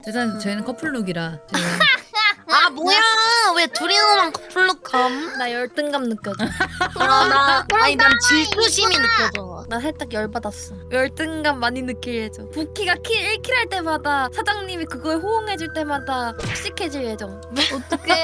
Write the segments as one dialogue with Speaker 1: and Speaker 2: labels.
Speaker 1: 일단 저희는 커플룩이라 저희가
Speaker 2: 아 뭐야 왜 둘이서만 커플룩함?
Speaker 3: 나 열등감 느껴져.
Speaker 2: 아니 난 질투심이 느껴져.
Speaker 3: 나 살짝 열받았어. 열등감 많이 느낄 예정. 부키가 1킬 할 때마다 사장님이 그거에 호응해줄 때마다 푹식해질 예정. 어떡해?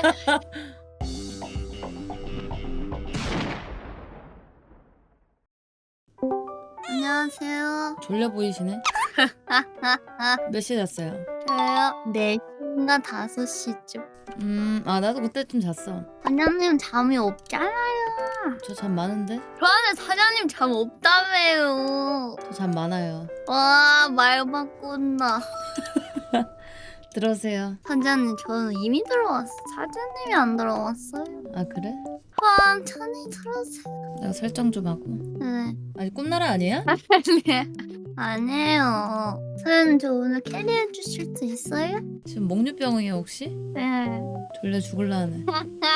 Speaker 2: 안녕하세요.
Speaker 1: 졸려 보이시네. 몇 시에 잤어요?
Speaker 2: 저요 4시인가 5시쯤.
Speaker 1: 아 나도 그때쯤 잤어.
Speaker 2: 사장님 잠이 없잖아요.
Speaker 1: 저 잠 많은데?
Speaker 2: 저한테 사장님 잠 없다며요.
Speaker 1: 저 잠 많아요.
Speaker 2: 와 말 바꾼다.
Speaker 1: 들어오세요.
Speaker 2: 사장님 저는 이미 들어왔어. 사장님이 안 들어왔어요.
Speaker 1: 아 그래?
Speaker 2: 천천히 들어오세요.
Speaker 1: 내가 설정 좀 하고.
Speaker 2: 네.
Speaker 1: 아니 꿈나라 아니야?
Speaker 2: 아니에요. 사장님 저 오늘 캐리해 주실 수 있어요?
Speaker 1: 지금 목류병이야 혹시?
Speaker 2: 네.
Speaker 1: 졸려 죽을라 하네.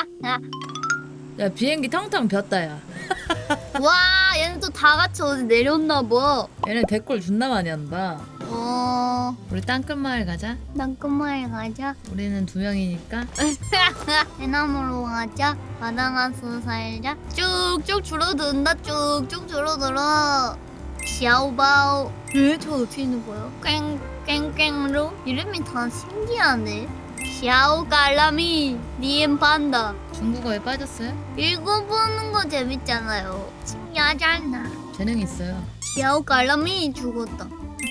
Speaker 1: 야 비행기 텅텅 비었다 야.
Speaker 2: 와 얘는 또 다 같이 어디 내렸나 봐.
Speaker 1: 얘네 대꼴 존나 많이 한다. 우리 땅끝마을 가자.
Speaker 2: 난 끝마에 가자.
Speaker 1: 우리는 2명이니까.
Speaker 2: 대나무로 가자. 바다가서 살자. 쭉쭉 줄어든다. 쭉쭉 줄어들어. 샤오바오. 저 어떻게 있는 거예요? 깽깽깽로. 이름이 다 신기하네. 샤오갈라미 니엠 판다.
Speaker 1: 중국어에 빠졌어요?
Speaker 2: 읽어보는 거 재밌잖아요. 신기하잖아.
Speaker 1: 재능 있어요.
Speaker 2: 샤오갈라미 죽었다.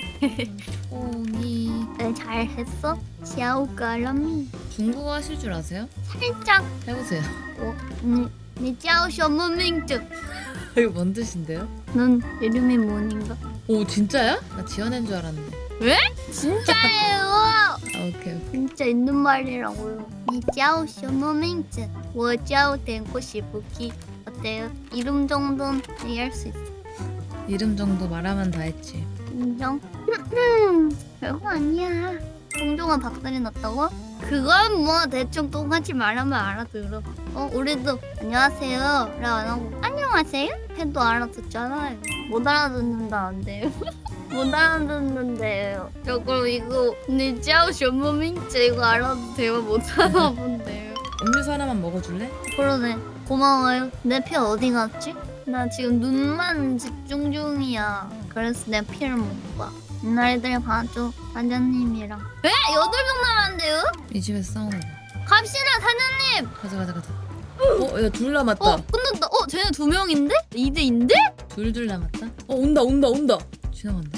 Speaker 1: 꽁이.
Speaker 2: 네, 잘했어. 샤오갈라미.
Speaker 1: 중국어 하실 줄 아세요?
Speaker 2: 살짝.
Speaker 1: 해보세요.
Speaker 2: 니 짜오 셔머 밍즈.
Speaker 1: 이거 뭔 뜻인데요?
Speaker 2: 넌 이름이 뭐인가?
Speaker 1: 오 진짜야? 나 지어낸 줄 알았는데.
Speaker 2: 진짜예요.
Speaker 1: 아 오케이.
Speaker 2: 진짜 있는 말이라고요. 니 짜오 셔머 밍즈. 我 짜오 댕고 시부키. 어때요? 이름 정도는 얘기할 수 있어.
Speaker 1: 이름 정도 말하면 다 했지.
Speaker 2: 인정? 별거 아니야. 동종아 박살이 났다고? 그건 뭐 대충 똑같이 말하면 알아들어. 우리도 안녕하세요 라고 안 하고 안녕하세요? 해도 알아듣잖아요. 못 알아듣는다 안 돼요. 못 알아듣는데요. 저거 이거 니 짜오 셔머민츠 이거 알아도 돼요? 못 알아본대요.
Speaker 1: 음료수 하나만 먹어줄래?
Speaker 2: 그러네. 고마워요. 내 피 어디 갔지? 나 지금 눈만 집중 중이야. 그래서 내 피를 못 봐. 옛날들 봐줘. 사장님이랑. 8명 남았는데요?
Speaker 1: 이 집에서 싸우는 거.
Speaker 2: 갑시다 사장님.
Speaker 1: 가자. 야 둘 남았다.
Speaker 2: 끝났다. 쟤네 2명인데? 2대인데?
Speaker 1: 둘 남았다. 온다. 지나간다.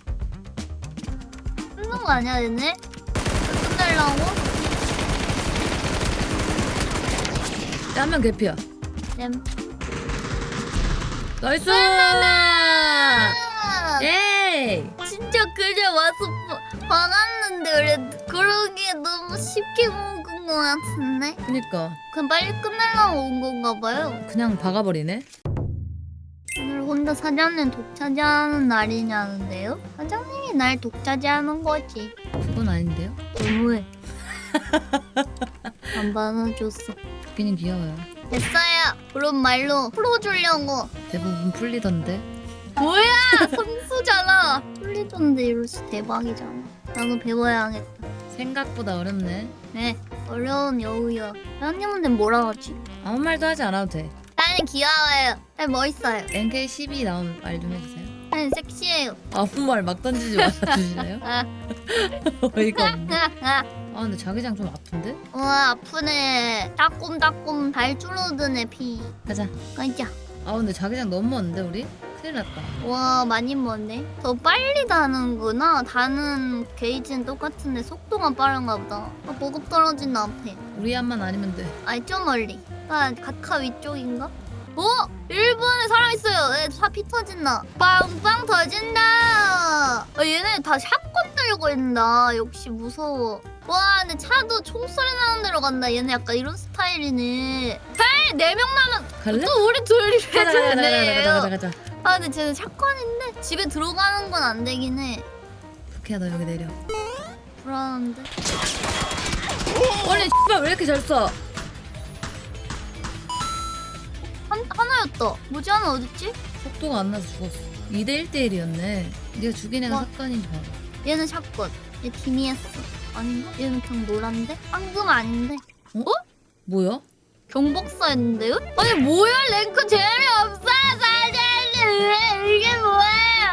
Speaker 2: 끝난 거 아니야 얘네? 끝내려고?
Speaker 1: 야, 한 명 개피야.
Speaker 2: 램.
Speaker 1: 나이스! 예!
Speaker 2: 진짜 그냥 와서 박았는데 그러기에 너무 쉽게 먹은 거 같은데?
Speaker 1: 그니까
Speaker 2: 그냥 빨리 끝내려고 온 건가 봐요.
Speaker 1: 그냥 박아버리네.
Speaker 2: 오늘 혼자 사장님 독차지하는 날이냐는데요? 사장님이 날 독차지하는 거지.
Speaker 1: 그건 아닌데요?
Speaker 2: 너무해. 안 받아줬어.
Speaker 1: 듣기는 귀여워요.
Speaker 2: 됐어요. 그런 말로 풀어주려고.
Speaker 1: 대부분 풀리던데.
Speaker 2: 뭐야 선수잖아. 풀리던데 이럴수 대박이잖아. 나도 배워야겠다.
Speaker 1: 생각보다 어렵네.
Speaker 2: 네 어려운 여우야. 사장님한테 뭐라 하지?
Speaker 1: 아무 말도 하지 않아도 돼.
Speaker 2: 사장님 귀여워요. 사장님 멋있어요.
Speaker 1: NK12 나오면 말 좀 해주세요.
Speaker 2: 사장님 섹시해요.
Speaker 1: 아무 말 막 던지지 말아주시나요? 어이가 없네. 근데 자기장 좀 아픈데?
Speaker 2: 와 아프네. 따꼼따꼼 잘 줄어드네 피.
Speaker 1: 가자.
Speaker 2: 가자.
Speaker 1: 근데 자기장 너무 먼데 우리? 큰일 났다.
Speaker 2: 와 많이 먼네. 더 빨리 다는구나. 다는 게이지는 똑같은데 속도가 빠른가 보다. 보급 떨어진 앞에.
Speaker 1: 우리 한만 아니면 돼.
Speaker 2: 아니 좀 멀리. 가카 위쪽인가? 일본에 사람 있어요. 차 피 터진다. 빵빵 터진다. 얘네 다 샷건 들고 있다. 역시 무서워. 와 근데 차도 총소리 나는 데로 간다. 얘네 약간 이런 스타일이네. 4명 남았.
Speaker 1: 갈래?
Speaker 2: 또 우리 둘이
Speaker 1: 가자.
Speaker 2: 근데 쟤는 샷건인데 집에 들어가는 건 안 되긴 해.
Speaker 1: 부캐야 너 여기 내려.
Speaker 2: 불안한데.
Speaker 1: 아니 씨발 왜 이렇게 잘 쏴?
Speaker 2: 하나였다. 뭐지 하나 어딨지?
Speaker 1: 속도가 안 나서 죽었어. 2대 1대 1이었네. 네가 죽인 애가
Speaker 2: 와.
Speaker 1: 사건인 줄 알아.
Speaker 2: 얘는 샷건. 얘 팀이었어. 아닌가? 얘는 그냥 노란데? 황금 아닌데?
Speaker 1: 뭐야?
Speaker 2: 경복사였는데요? 아니 뭐야 랭크 재미없어 사장님 이게 뭐예요?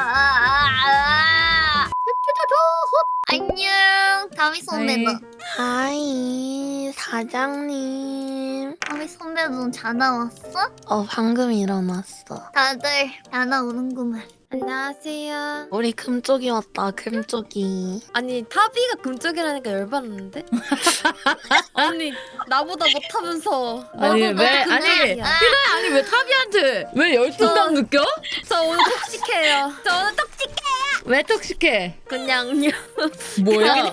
Speaker 2: 안녕 다미 선배다.
Speaker 4: 하이 사장님.
Speaker 2: 다미 선배 넌 자다 왔어?
Speaker 4: 방금 일어났어.
Speaker 2: 다들 자다 오는구만.
Speaker 3: 안녕하세요.
Speaker 4: 우리 금쪽이 왔다. 금쪽이.
Speaker 3: 아니 타비가 금쪽이라니까 열받는데? 아니 나보다 못하면서
Speaker 1: 아니,
Speaker 3: 너도
Speaker 1: 왜?
Speaker 3: 금쪽이야.
Speaker 1: 아니, 아니 왜 타비한테 왜 열등감 느껴?
Speaker 3: 저 오늘 톡식해요. 저 오늘 톡식해.
Speaker 1: 왜 톡식해?
Speaker 3: 그냥요.
Speaker 1: 뭐야?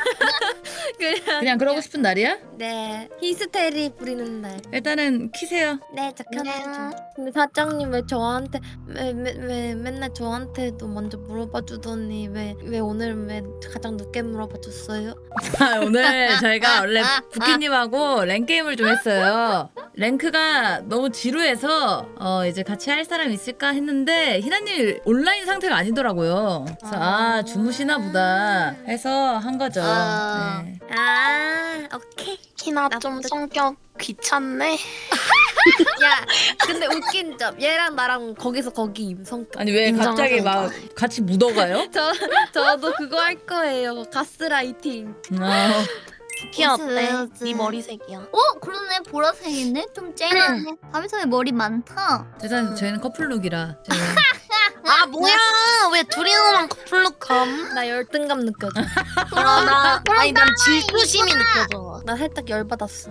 Speaker 3: 그냥
Speaker 1: 그러고 싶은 날이야?
Speaker 3: 네 히스테리 부리는 날.
Speaker 1: 일단은 키세요.
Speaker 3: 네, 저 켜주죠. 근데 사장님 왜 저한테 왜 맨날 저한테도 먼저 물어봐 주더니 왜 오늘 왜 가장 늦게 물어봐 줬어요?
Speaker 1: 오늘 저희가 원래 부키님하고 랭 게임을 좀 했어요. 랭크가 너무 지루해서 이제 같이 할 사람 있을까 했는데 희나님 온라인 상태가 아니더라고요. 그래서 주무시나 보다 해서 한 거죠.
Speaker 2: 아.
Speaker 1: 네.
Speaker 3: 아, 오케이.
Speaker 4: 희나
Speaker 3: 나쁘다.
Speaker 4: 좀 성격 귀찮네.
Speaker 3: 야, 근데 웃긴 점 얘랑 나랑 거기서 거기 성격.
Speaker 1: 아니 왜 갑자기 막 같이 묻어가요?
Speaker 3: 저도 그거 할 거예요. 가스라이팅.
Speaker 4: 부키 어때?
Speaker 2: 왜요지?
Speaker 4: 네 머리색이야.
Speaker 2: 그러네 보라색이네? 좀 쨍하네. 다미 선배 머리 많다.
Speaker 1: 일단 저희는 커플룩이라 저희는
Speaker 4: 아 뭐야? 왜 둘이서만 커플룩함?
Speaker 3: 나 열등감 느껴져.
Speaker 4: 아니 난 질투심이 느껴져.
Speaker 3: 나 살짝 열받았어.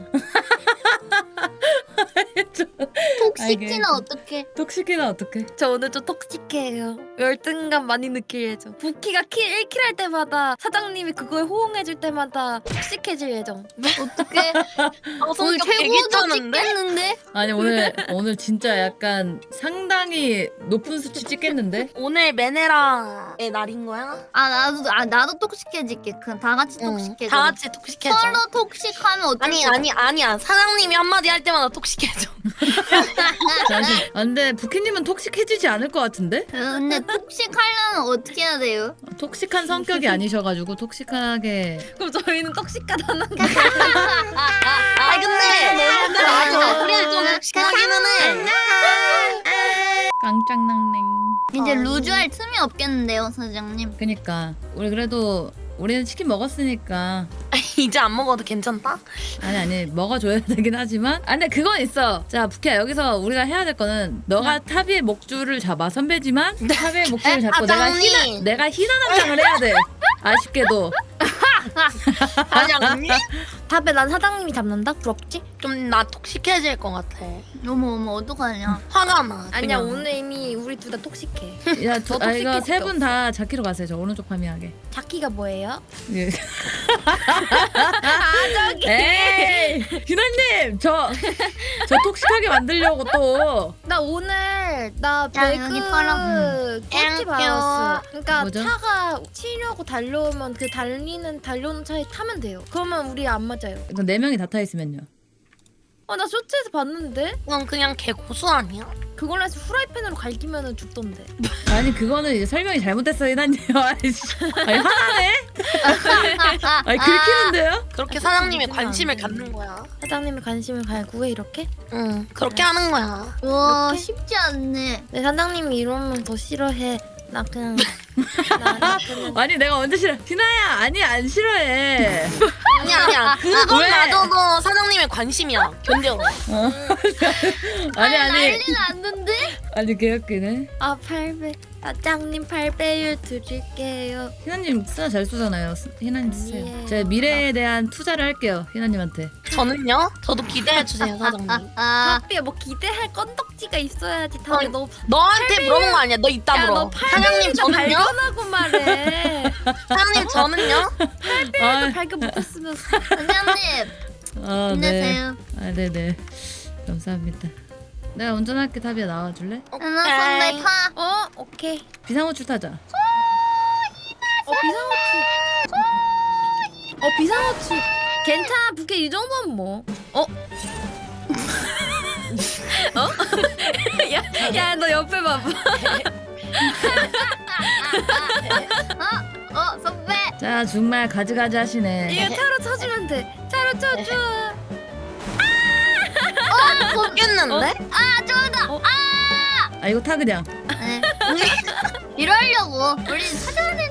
Speaker 2: 톡시키는 어떡해?
Speaker 1: 톡식이나 어떡해?
Speaker 3: 저 오늘 좀 톡식해요. 열등감 많이 느낄 예정. 부키가 1킬 할 때마다 사장님이 그거에 호응해줄 때마다 톡식해질 예정.
Speaker 2: 어떡해? 오늘
Speaker 4: 성격 되게
Speaker 2: 최고도
Speaker 4: 귀찮은데?
Speaker 2: 찍겠는데?
Speaker 1: 아니 오늘 진짜 약간 상당히 높은 수치 찍겠는데?
Speaker 4: 오늘 메네라의 날인 거야?
Speaker 2: 나도 톡식해질게. 그냥 다 같이 톡식해줘.
Speaker 4: 다 같이 톡식해줘.
Speaker 2: 서로 톡식하면 어떡해?
Speaker 4: 아니야. 사장님이 한마디 할 때마다 톡식해줘.
Speaker 1: 근데 부키님은 톡식해지지 않을 것 같은데?
Speaker 2: 근데 톡식하려면 어떻게 해야 돼요?
Speaker 1: 톡식한 성격이 아니셔가지고 톡식하게
Speaker 3: 그럼 저희는 톡식하다는 거.
Speaker 4: 아 근데 맞아. 우리는 좀 톡식하기는 해.
Speaker 1: 깡짱낭냉.
Speaker 2: 이제 루즈할 틈이 없겠는데요, 사장님.
Speaker 1: 그니까 우리는 치킨 먹었으니까
Speaker 4: 이제 안 먹어도 괜찮다?
Speaker 1: 아니 먹어줘야 되긴 하지만 근데 그건 있어. 자 부키야 여기서 우리가 해야 될 거는 너가 타비의 목줄을 잡아 선배지만 타비의 목줄을 잡고
Speaker 4: 사장님.
Speaker 1: 내가 희나 남장을 해야 돼. 아쉽게도
Speaker 4: 아니
Speaker 3: 답에 난 사장님이 잡는다? 부럽지?
Speaker 4: 좀 나 톡식해질 것 같아.
Speaker 2: 어머 어떡하냐?
Speaker 4: 화가 나.
Speaker 3: 아니야
Speaker 4: 그냥.
Speaker 3: 오늘 이미 우리 둘 다 톡식해.
Speaker 1: 야
Speaker 3: 저
Speaker 1: 이거
Speaker 3: 톡식해
Speaker 1: 세 분 다 자키로 가세요. 저 오른쪽 파미하게.
Speaker 3: 자키가 뭐예요?
Speaker 1: 예.
Speaker 3: 저기.
Speaker 1: 에이 희나님 저 톡식하게 만들려고 또
Speaker 3: 나 오늘 나
Speaker 2: 야, 여기 팔아.
Speaker 3: 배그 꼴찌
Speaker 4: 땡큐.
Speaker 3: 받았어. 그러니까
Speaker 1: 뭐죠?
Speaker 3: 차가 치려고 달려오면 그 달려오는 차에 타면 돼요. 그러면 우리 안 맞아요.
Speaker 1: 이거 4명이 다 타 있으면요.
Speaker 3: 나 쇼츠에서 봤는데
Speaker 4: 그건 그냥 개 고수 아니야?
Speaker 3: 그걸로 해서 후라이팬으로 갈기면 죽던데.
Speaker 1: 아니 그거는 이제 설명이 잘못됐어 희나님. 아니 하나네? 아니 긁히는데요?
Speaker 4: 그렇게 사장님의
Speaker 3: 그건
Speaker 4: 관심을
Speaker 3: 안 돼.
Speaker 4: 갖는 거야.
Speaker 3: 사장님이 관심을 갈구해 이렇게?
Speaker 4: 응, 그렇게 하는 거야.
Speaker 2: 와
Speaker 3: 이렇게?
Speaker 2: 쉽지 않네.
Speaker 3: 내 사장님이 이러면 더 싫어해. 나 그냥 나 그냥
Speaker 1: 아니 내가 언제 싫어? 희나야 아니 안 싫어해.
Speaker 4: 아니야. 그건
Speaker 1: 왜?
Speaker 4: 나도 사장님의 관심이야. 견뎌.
Speaker 1: 아니
Speaker 2: 난리 났는데?
Speaker 1: 아니 개웃기네.
Speaker 3: 8배 사장님 8배율 드릴게요.
Speaker 1: 희나님 쓰나 잘 쏘잖아요. 희나님 쓰세요.
Speaker 3: 아니에요.
Speaker 1: 제가 미래에 대한 투자를 할게요. 희나님한테.
Speaker 4: 저는요? 저도 기대해 주세요, 사장님.
Speaker 3: 답비야 뭐 기대할 건덕지가 있어야지. 답이 너
Speaker 4: 너한테 물어본 거 아니야. 너 이따
Speaker 3: 야,
Speaker 4: 물어.
Speaker 3: 너
Speaker 4: 사장님 저는요?
Speaker 3: 발견하고 말해.
Speaker 4: 사장님 저는요?
Speaker 1: 아,
Speaker 3: 발견 못했으면
Speaker 2: 사장님
Speaker 1: 네.
Speaker 2: 힘내세요.
Speaker 1: 아 네네. 감사합니다. 내가 운전할게. 타비야 나와줄래?
Speaker 2: 하나 선배 타.
Speaker 3: 오케이.
Speaker 1: 비상호출 타자.
Speaker 3: 비상호출 괜찮아. 부캐 이 정도면 뭐 야 너 옆에 봐봐.
Speaker 2: 선배.
Speaker 1: 자 정말 가지가지 하시네.
Speaker 3: 이거 차로 쳐주면 돼. 차로 쳐줘.
Speaker 4: 깼는데?
Speaker 1: 아 이거 타 그냥.
Speaker 2: 네. 이러려고 우리 사전에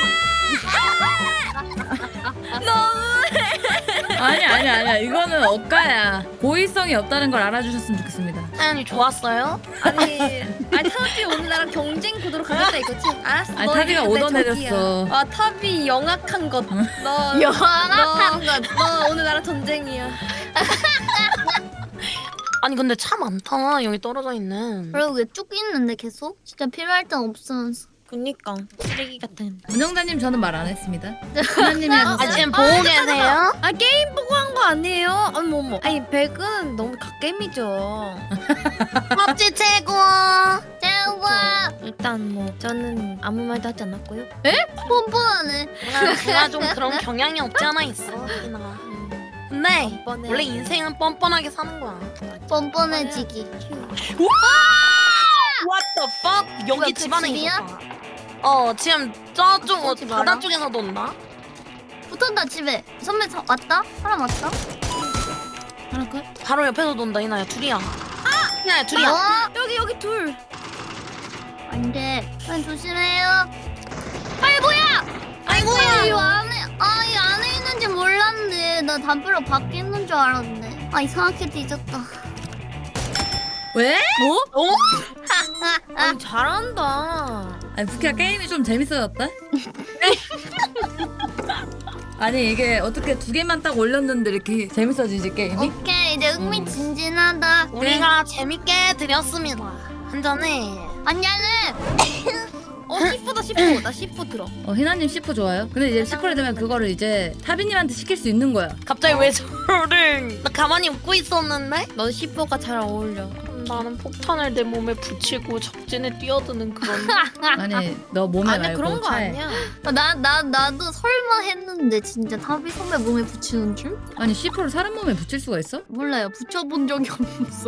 Speaker 1: 아니야 이거는 억가야. 고의성이 없다는 걸 알아주셨으면 좋겠습니다.
Speaker 4: 사연이 좋았어요?
Speaker 3: 아니 타비 오늘 나랑 경쟁 구도로 가겠다 이거지? 알았어.
Speaker 1: 아니,
Speaker 3: 너
Speaker 1: 타비가
Speaker 3: 이제 내
Speaker 1: 얻어내렸어.
Speaker 3: 적이야. 아 타비 영악한 것. 너
Speaker 2: 영악한 것.
Speaker 3: 너 오늘 나랑 전쟁이야.
Speaker 4: 아니 근데 차 많다 여기 떨어져 있는.
Speaker 2: 그리고 왜 쭉 있는데 계속? 진짜 필요할 땐 없으면서.
Speaker 3: 그니까 쓰레기 같은.
Speaker 1: 운영자님 저는 말 안 했습니다. 하나님이 하셨어요.
Speaker 4: 아 지금 보고 계세요?
Speaker 3: 아 게임 보고 한 거 아니에요? 어머. 아니 백은 너무 갓겜이죠.
Speaker 4: 팝지 최고.
Speaker 2: 대우가
Speaker 3: 일단 뭐 저는 아무 말도 하지 않았고요.
Speaker 2: 뻔뻔하네.
Speaker 4: 내가 좀 그런 경향이 없지 않아 있어 희나. 근데
Speaker 3: 뻔뻔해.
Speaker 4: 원래 인생은 뻔뻔하게 사는 거야.
Speaker 2: 뻔뻔해지기.
Speaker 4: What the fuck? 여기
Speaker 2: 뭐야, 그
Speaker 4: 집안에
Speaker 2: 집이야?
Speaker 4: 있었다. 지금 저쪽
Speaker 2: 오지
Speaker 4: 바다
Speaker 2: 마라.
Speaker 4: 쪽에서도 온다.
Speaker 2: 붙었다 집에. 선배 왔다? 사람 왔다?
Speaker 1: 하나 컷.
Speaker 4: 바로 옆에서 돈다 희나야 둘이야. 희나야 둘이야.
Speaker 3: 여기 둘.
Speaker 2: 안돼. 난 조심해요. 아이고야.
Speaker 4: 아이고야.
Speaker 2: 이 안에 있는지 몰랐는데 나 담벼락 밖에 있는 줄 알았네. 아 이상하게 뒤졌다.
Speaker 1: 왜?
Speaker 4: 어?
Speaker 3: 아니 잘한다.
Speaker 1: 아니 부키야 게임이 좀 재밌어졌다. 아니 이게 어떻게 두 개만 딱 올렸는데 이렇게 재밌어지지 게임이?
Speaker 2: 오케이 이제 흥미진진하다.
Speaker 4: 우리가 재밌게 드렸습니다. 한 잔에.
Speaker 2: 아니야는.
Speaker 3: C4다 C4. 나 C4 들어.
Speaker 1: 희나님 C4 좋아요. 근데 이제 C4를 되면 그거를 이제 타비님한테 시킬 수 있는 거야.
Speaker 4: 갑자기 왜 저를? 나 가만히 웃고 있었는데?
Speaker 3: 넌 C4가 잘 어울려.
Speaker 4: 나는 폭탄을 내 몸에 붙이고 적진에 뛰어드는 그런.
Speaker 1: 아니 너 몸에
Speaker 3: 아니
Speaker 1: 말고
Speaker 3: 그런 거
Speaker 1: 차에.
Speaker 3: 아니야.
Speaker 2: 나도 설마 했는데 진짜 타비 선배 몸에 붙이는 줄?
Speaker 1: 아니 C4를 사람 몸에 붙일 수가 있어?
Speaker 2: 몰라요. 붙여본 적이 없어.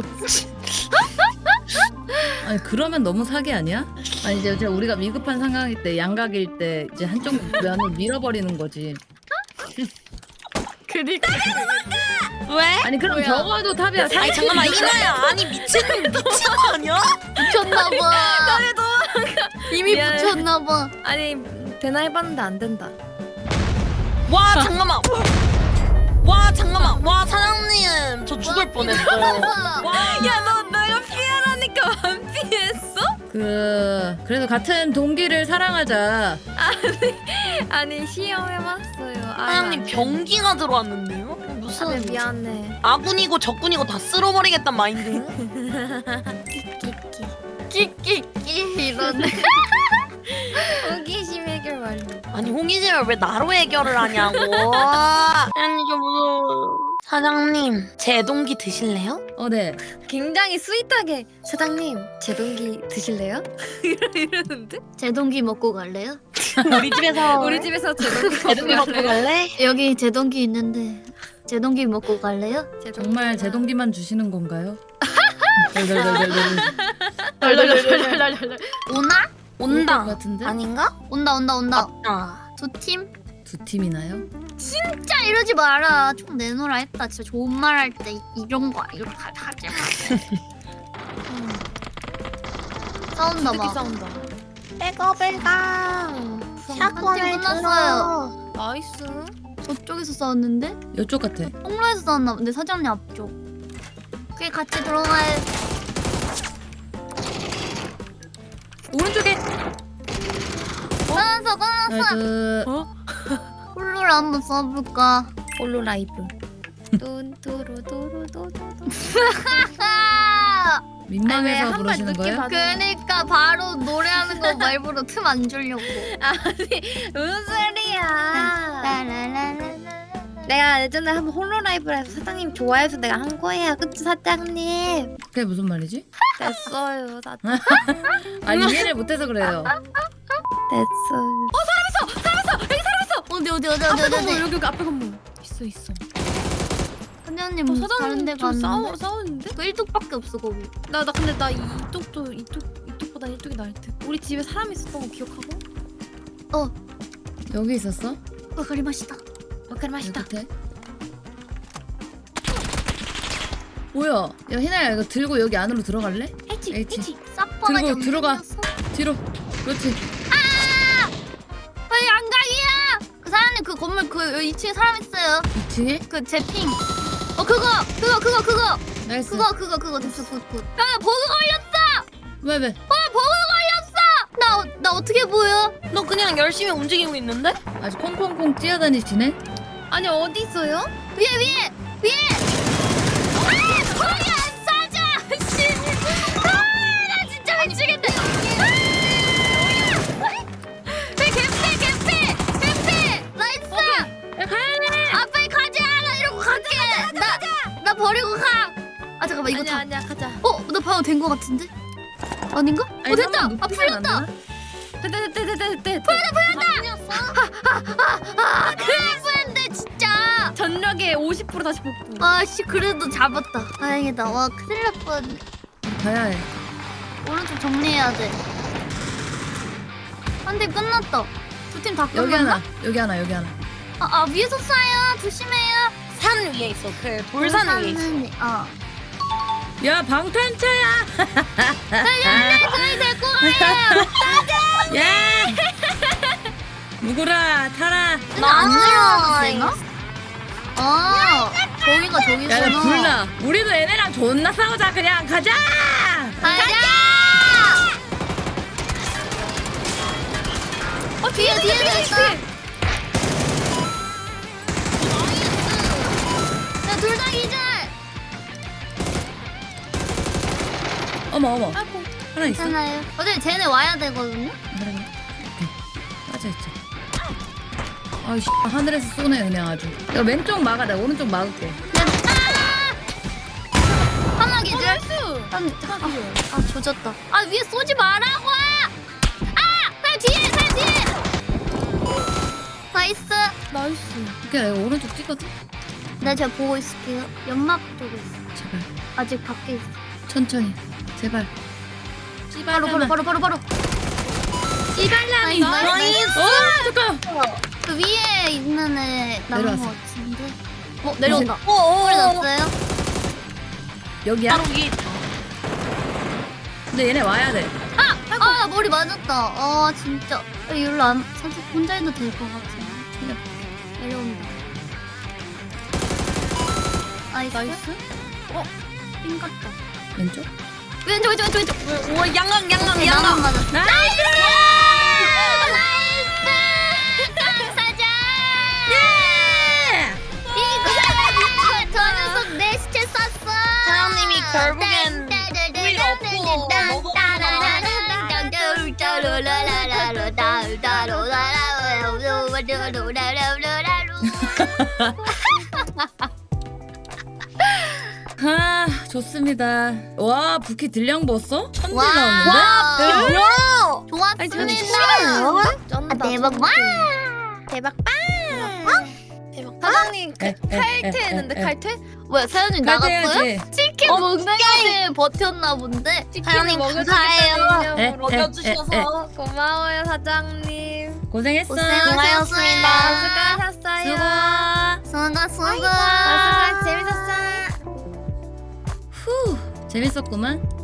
Speaker 1: 아니 그러면 너무 사기 아니야? 아니 이제 우리가 위급한 상황일 때 양각일 때 이제 한쪽 면을 밀어버리는 거지.
Speaker 2: 그니까.
Speaker 4: 왜?
Speaker 1: 아니 그럼
Speaker 2: 뭐야?
Speaker 1: 적어도 탑이야.
Speaker 4: 아니 잠깐만 희나야. 아니 미친 거 아니야?
Speaker 2: 붙였나봐. 이미
Speaker 3: 미안해.
Speaker 2: 붙였나봐.
Speaker 3: 아니 되나 해봤는데 안 된다.
Speaker 4: 와 잠깐만. 와 사장님 저 죽을 뻔했어요.
Speaker 3: 야 너 내가 피하라니까 안 피했어?
Speaker 1: 그래도 같은 동기를 사랑하자.
Speaker 3: 아니 시험해봤어요.
Speaker 4: 사장님 병기가 들어왔는데요? 무슨
Speaker 3: 아, 미안해.
Speaker 4: 아군이고 적군이고 다 쓸어버리겠단 마인드?
Speaker 2: 끼끼끼 이러네.
Speaker 3: 호기심 해결 완료.
Speaker 4: 아니 호기심을 왜 나로 해결을 하냐고. 사장님 좀 무서워. 사장님 제 동기 드실래요?
Speaker 1: 네.
Speaker 3: 굉장히 스윗하게 사장님 제 동기 드실래요? 이러는데?
Speaker 2: 제 동기 먹고 갈래요?
Speaker 4: 우리 집에서
Speaker 3: 우리 집에서 제 동기
Speaker 4: 제 동기 먹고 갈래?
Speaker 2: 여기 제 동기 있는데 제 동기 먹고 갈래요?
Speaker 1: 정말 제 동기만 주시는 건가요?
Speaker 2: 오나?
Speaker 4: 온다.
Speaker 1: 것 같은데?
Speaker 4: 아닌가?
Speaker 2: 온다.
Speaker 4: 아.
Speaker 2: 두 팀?
Speaker 1: 두 팀이나요?
Speaker 2: 진짜 이러지 마라. 총 내놓으라 했다. 진짜 좋은 말 할 때 이런 거 이렇게 하지 마. 싸운다
Speaker 3: 새끼
Speaker 2: 봐.
Speaker 3: 싸운다.
Speaker 4: 빼고 샷건을
Speaker 2: 끝났어요.
Speaker 3: 나이스.
Speaker 2: 저쪽에서 싸웠는데?
Speaker 1: 이쪽 같아.
Speaker 2: 통로에서 싸웠나 본데 사장님 앞쪽. 그게 같이 들어가야.
Speaker 1: 오른쪽에.
Speaker 2: 끊었어. 홀로를 한번 써볼까?
Speaker 3: 홀로 라이브. 뚠뚜루뚜루뚜루.
Speaker 1: 민망해서
Speaker 3: 한발
Speaker 1: 부르시는
Speaker 3: 늦게
Speaker 1: 거예요?
Speaker 3: 받-
Speaker 2: 그러니까 바로 노래하는 거 말고로 틈 안 주려고.
Speaker 3: 무슨 소리야?
Speaker 2: 라라라라라.
Speaker 3: 내가 예전에 한번 홀로 라이브를 해서 사장님 좋아해서 내가 한 거예요. 그치 사장님?
Speaker 1: 그게 무슨 말이지?
Speaker 3: 됐어요.
Speaker 1: 아니 이해를 못해서 그래요.
Speaker 3: 됐어요.
Speaker 2: 어디
Speaker 3: 앞에 건물 여기 앞에 건물 있어.
Speaker 2: 사장님 다른
Speaker 3: 사장님
Speaker 2: 데
Speaker 3: 좀
Speaker 2: 갔는데?
Speaker 3: 싸우는데?
Speaker 2: 그 1뚝밖에 없어 거기.
Speaker 3: 나 근데 나 이쪽보다 이쪽이 나을 듯. 우리 집에 사람 있었던 거 기억하고?
Speaker 1: 여기 있었어?
Speaker 2: 와카리 맛있다.
Speaker 3: 와카리 맛있다.
Speaker 1: 끝에. 뭐야? 야 희나야 이거 들고 여기 안으로 들어갈래?
Speaker 3: 해치
Speaker 1: H.
Speaker 2: 사퍼가
Speaker 1: 들고 들어가. 뒤로. 그렇지.
Speaker 2: 빨리 양각이야. 그 사장님 그 건물 그 2층에 사람 있어요.
Speaker 1: 2층에?
Speaker 2: 그 제핑. 그거
Speaker 1: 나이스.
Speaker 2: 그거 됐어 굿. 야 버그 걸렸어.
Speaker 1: 왜?
Speaker 2: 버그 걸렸어. 나 어떻게 보여?
Speaker 4: 너 그냥 열심히 움직이고 있는데?
Speaker 1: 아주 콩콩콩 뛰어다니시네.
Speaker 3: 아니 어디 있어요?
Speaker 2: 위에. 거기 안 싸져. 씨. 나 진짜 미치겠다. 개패. 나이스. 아 빨리 가자. 나 이러고 갈게. 나 버리고 가. 아 잠깐만 이거 다.
Speaker 3: 아니야 가자.
Speaker 2: 나 방금 된 거 같은데? 아닌가?
Speaker 1: 아니,
Speaker 2: 됐다.
Speaker 1: 한번
Speaker 2: 아
Speaker 1: 눕히면 안
Speaker 2: 풀렸다.
Speaker 3: 됐다.
Speaker 2: 큰일 뻔했네 진짜.
Speaker 3: 전력의 50% 다시 복구.
Speaker 2: 아씨 그래도 잡았다. 다행이다. 와 큰일 날 뻔.
Speaker 1: 가야 해.
Speaker 2: 오른쪽 정리해야 돼. 한 대 끝났다. 두 팀 다
Speaker 1: 여기
Speaker 2: 끝났나?
Speaker 1: 하나. 여기 하나.
Speaker 2: 아 위에서 쏴요. 조심해요.
Speaker 4: 산 위에 있어. 그 돌산 위에 있어.
Speaker 1: 야 방탄차야.
Speaker 2: 저희 데리고 가요.
Speaker 1: 야. 누구라 타라.
Speaker 2: 나안 내려왔나? 저기가 저기구나.
Speaker 1: 야 나 불나. 우리도 얘네랑 존나 싸우자. 그냥 가자.
Speaker 2: 가자. 뒤에 있어. 둘 다 기절.
Speaker 1: 어머.
Speaker 3: 아이고.
Speaker 1: 하나 있어.
Speaker 2: 괜찮아요. 어차피 쟤네 와야 되거든요.
Speaker 1: 그래. 오케이. 빠져있죠. 아이씨 하늘에서 쏘네 그냥 아주. 야 왼쪽 막아. 나 오른쪽 막을게.
Speaker 2: 하나 기절. 조졌다. 위에 쏘지 말라고. 살 뒤에. 나이스.
Speaker 1: 오케이 나 이거 오른쪽 찍거든.
Speaker 2: 네, 제가 보고 있을게요. 연막 쪽에 있어.
Speaker 1: 제발
Speaker 2: 아직 밖에 있어.
Speaker 1: 천천히. 제발.
Speaker 2: 바로.
Speaker 1: 씨발람이.
Speaker 2: 나이스.
Speaker 1: 잠깐.
Speaker 2: 그 위에 있는 애 나온 거
Speaker 1: 내려왔어.
Speaker 2: 같은데. 내려온다.
Speaker 4: 어어.
Speaker 2: 소리 났어요?
Speaker 1: 여기야.
Speaker 4: 바로 위에 있다.
Speaker 1: 근데 얘네 와야 돼.
Speaker 2: 나 머리 맞았다. 진짜. 이리로 안 살짝 혼자 해도 될 것 같은데. 내려온다. 나이스. 삥 같다.
Speaker 1: 왼쪽.
Speaker 2: 왼쪽.
Speaker 4: 오 양강
Speaker 2: 나만 맞았어.
Speaker 1: 나이스.
Speaker 2: 사자.
Speaker 1: 예!
Speaker 2: 저 녀석 내 시체 쐈어.
Speaker 4: 사장님이 결국엔 우리가 없고
Speaker 1: 아 좋습니다. 와 부키 딜량 봤어? 천딜
Speaker 2: 와.
Speaker 1: 나왔는데?
Speaker 2: 와. 좋았습니다.
Speaker 3: 쩐다.
Speaker 2: 대박 와.
Speaker 3: 대박 사장님 칼퇴했는데 칼퇴?
Speaker 2: 뭐야 사연이 나갔어요?
Speaker 1: 해야지.
Speaker 2: 치킨 먹는데 버텼나 본데.
Speaker 3: 사장님
Speaker 2: 감사해요.
Speaker 3: 먹여주셔서 고마워요 사장님.
Speaker 1: 고생했어.
Speaker 2: 고생하셨습니다.
Speaker 3: 수고하셨어요.
Speaker 2: 수고.
Speaker 3: 수고 재밌었어요.
Speaker 1: 후 재밌었구만.